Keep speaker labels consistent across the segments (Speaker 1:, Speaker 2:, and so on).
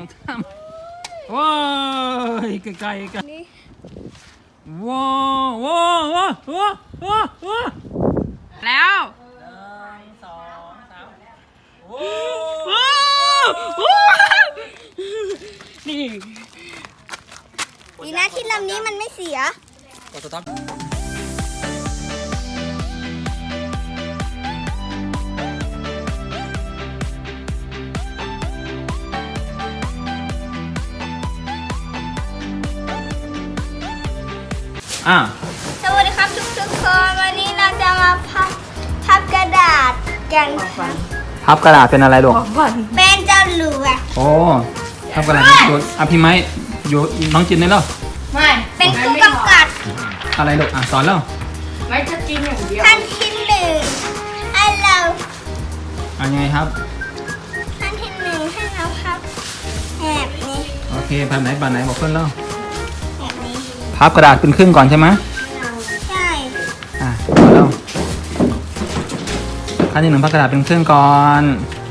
Speaker 1: สามว้ายไกลๆกันว้าวว้าวว้าวว้าวว้าวแล้วนี่
Speaker 2: ดีนะที่ลำนี้มันไม่เสีย
Speaker 1: กดสต็อป
Speaker 2: สวัสดีครับทุกคนวันนี้เราจะมาพับกระดาษกันค่ะ
Speaker 1: พับกระดาษเป็นอะไรลูก
Speaker 2: เป็นเจ้าหลูอ่ะ
Speaker 1: โอ้พับกระดาษโยนพี่ไม้อยู่น้องจินได้แล้ว
Speaker 2: ไม่เป็นตู้กำกัด
Speaker 1: อะไรลูกสอนแล้ว
Speaker 3: ไม่จะกินอย่างเดียว
Speaker 2: ขั้นที่หนึ่งให้เรา
Speaker 1: ไงครับ
Speaker 2: ขั้นที่หนึ่งให้เราพับแบบนี้
Speaker 1: โอเคแบบไหนบอกเพื่อนแล้ว
Speaker 2: แบบนี้
Speaker 1: พับกระดาษเป็นครึ่งก่อนใช่ไหม
Speaker 2: ใช่
Speaker 1: พอแล้วขั้นที่หนึ่งพับกระดาษเป็นครึ่งก่อน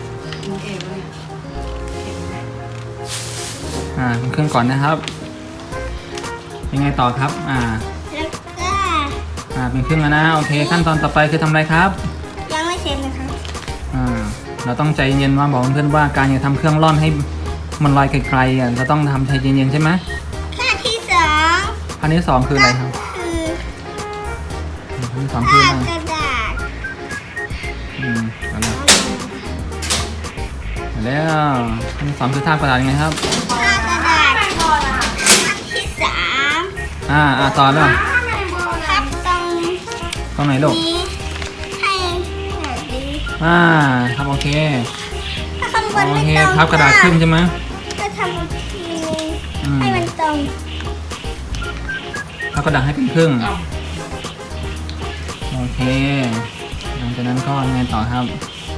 Speaker 1: เป็นครึ่งก่อนนะครับยังไงต่อครับ
Speaker 2: แล้วก็
Speaker 1: เป็นครึ่งแล้วนะโอเคขั้นตอนต่อไปคือทำอะไรครับ
Speaker 2: ยังไม่เสร็จนะครับ
Speaker 1: เราต้องใจเย็นว่าบอกเพื่อนๆว่าการจะทำเครื่องร่อนให้มันลอยไกลๆเราต้องทำใจเย็นๆใช่ไหม
Speaker 2: ขั้นที่สอง
Speaker 1: ขั้นที่สองคืออะไรครับขั้นที่สองคือ
Speaker 2: กระดาษ
Speaker 1: แล้วขั้นที่สองคือทาบกระดาษยังไงครับ
Speaker 2: ทากระดาษขั้นที่สาม
Speaker 1: ต่อแล้ว
Speaker 2: พับ
Speaker 1: ตรงไหนลูก
Speaker 2: ให้แบบนี้
Speaker 1: ครับโอเค
Speaker 2: ถ้าข้างบนไม่ตรง
Speaker 1: พับกระดาษขึ้นใช่ไหม
Speaker 2: ก็ทำอีกทีนึงให้มันตรง
Speaker 1: พับกระดาษให้เป็นครึ่งโอเคหลังจากนั้นก็ยังไงต่อครับ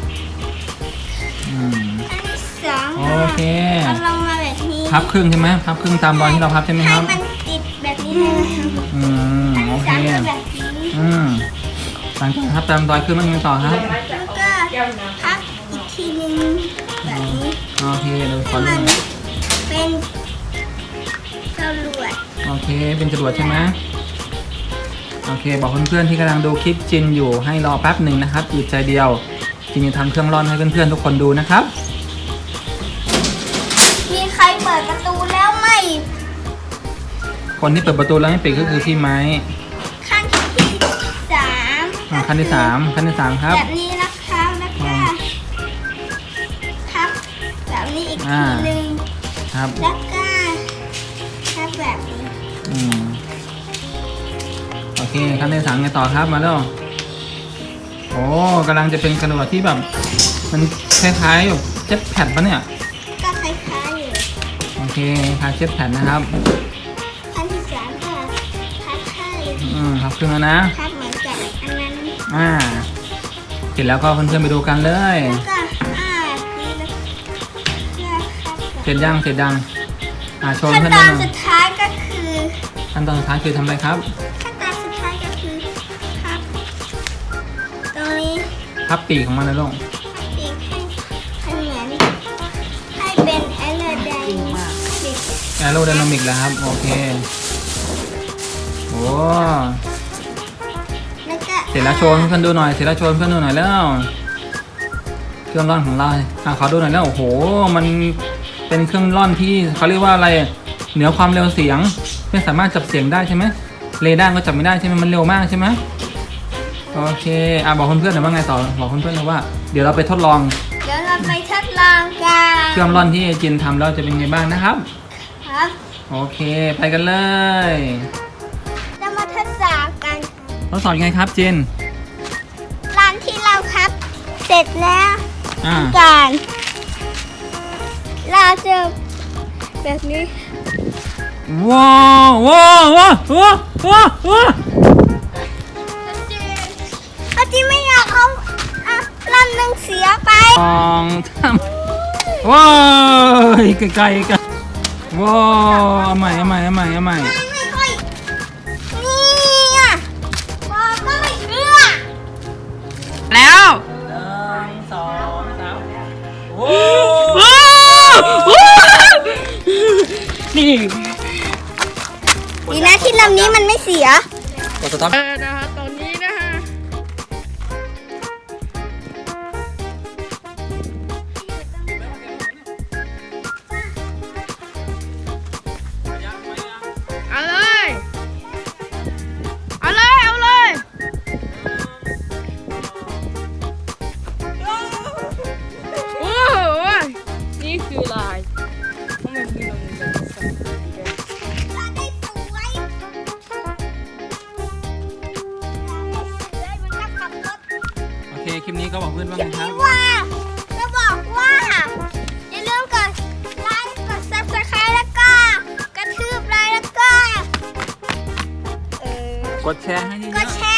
Speaker 1: โอเค
Speaker 2: ลงมาแบบนี้
Speaker 1: พับครึ่งใช่ไหมพับครึ่งตามรอยที่เราพับใช่ไหมครับ
Speaker 2: ให้มันติดแบบนี้เลย
Speaker 1: โอเคหลังจากพับตามรอยขึ้นมันยังไงต่อครับ
Speaker 2: แล้วก็พับอีกทีนึงแบบนี้
Speaker 1: โอเคเราขอ
Speaker 2: มันเป็นจรวด
Speaker 1: โอเคเป็นจรวดใช่ไหมโอเคบอกเพื่อนๆที่กำลังดูคลิปจินอยู่ให้รอแป๊บหนึ่งนะครับอีกใจเดียวจินจะทำเครื่องร่อนให้เพื่อนๆทุกคนดูนะครับ
Speaker 2: มีใครเปิดประตูแล้วไหม
Speaker 1: คนที่เปิดประตูแล้วไม่ปิดก็คือพี่ไม้
Speaker 2: ขั้นที่สาม
Speaker 1: ขั้นที่สามครับ
Speaker 2: แบบนี้นะคะแล้วก็พับแบบนี้อีกทีนึง
Speaker 1: ครับ
Speaker 2: แล้วก็พับแบบนี้
Speaker 1: โอเคขั้นที่สามไงต่อครับมาแล้วโอ้กำลังจะเป็นกระดาษที่แบบมันคล้ายๆแบบเจ็ตแพดปะเนี่ย
Speaker 2: ก็คล้ายๆอยู่
Speaker 1: โอเคคล้ายเจ็ตแพดนะครับ
Speaker 2: ขั้นที่สามค่ะพับให้
Speaker 1: พับครึ่งแล้วนะ
Speaker 2: พับเหมือนกับอันนั้น
Speaker 1: เสร็จแล้วก็เพื่อนๆไปดูกันเลยเสร็จยังโชว์เพื่อนๆ
Speaker 2: ขั้นตอนสุดท้ายก็คือ
Speaker 1: ขั้นตอนสุดท้ายคือทำอะไรครับ
Speaker 2: ขั้นตอนสุดท้ายก็คือพับตรงนี้
Speaker 1: พับปีกของมันนะลูก
Speaker 2: ปีกให้เหมือนให้เป็นแอโรได
Speaker 1: นามิกแล้วครับโอเคโอ้เสร็จแล้วโชว์เพื่อนดูหน่อยแล้วเครื่องร่อนของเราขอดูหน่อยแล้วโอ้โหมันเป็นเครื่องร่อนที่เขาเรียกว่าอะไรเหนือความเร็วเสียงไม่สามารถจับเสียงได้ใช่ไหมเรดาร์ก็จับไม่ได้ใช่ไหมมันเร็วมากใช่ไหมโอเคบอกเพื่อนๆหน่อยว่าไงต่อบอกเพื่อนๆเลยว่าเดี๋ยวเราไปทดลอง
Speaker 2: กัน
Speaker 1: เครื่องร่อนที่จินทำแล้วจะเป็นไงบ้างนะครับโอเคไปกันเลย
Speaker 2: เรามาทดสอบกัน
Speaker 1: ทดสอบยังไงครับจิน
Speaker 2: ร้านที่เราครับเสร็จแล้วกันเราจะแบบนี้
Speaker 1: ว้าว
Speaker 2: จีไม่อยากเอาลำหนึ่งเสียไป
Speaker 1: ว้าวไกลๆกันว้าวเอาใหม่
Speaker 2: ไม่ค่อยนี่บอกก็ไม่เชื่อ
Speaker 1: แล้ว1 2 3
Speaker 2: ดีนะที่ลำนี้มันไม่เสีย
Speaker 1: กดสต็อป
Speaker 3: นะคะตอนนี้นะคะ เอาเลย เอาเลย เอาเลย โอ้โห นี่คือลายทำไมมีลงแบบนี้
Speaker 2: เราได้สวยมันก็ขับรถ
Speaker 1: โอเคคลิปนี้ก็บอกเพื่อนว่าไงครับ
Speaker 2: ว่าจะบอกว่าอย่าลืมกดไลค์กด subscribe แล้วก็กระทืบไลค์แล้วก็
Speaker 1: กดแชร์ให้เย
Speaker 2: ก
Speaker 1: อะ
Speaker 2: ดแช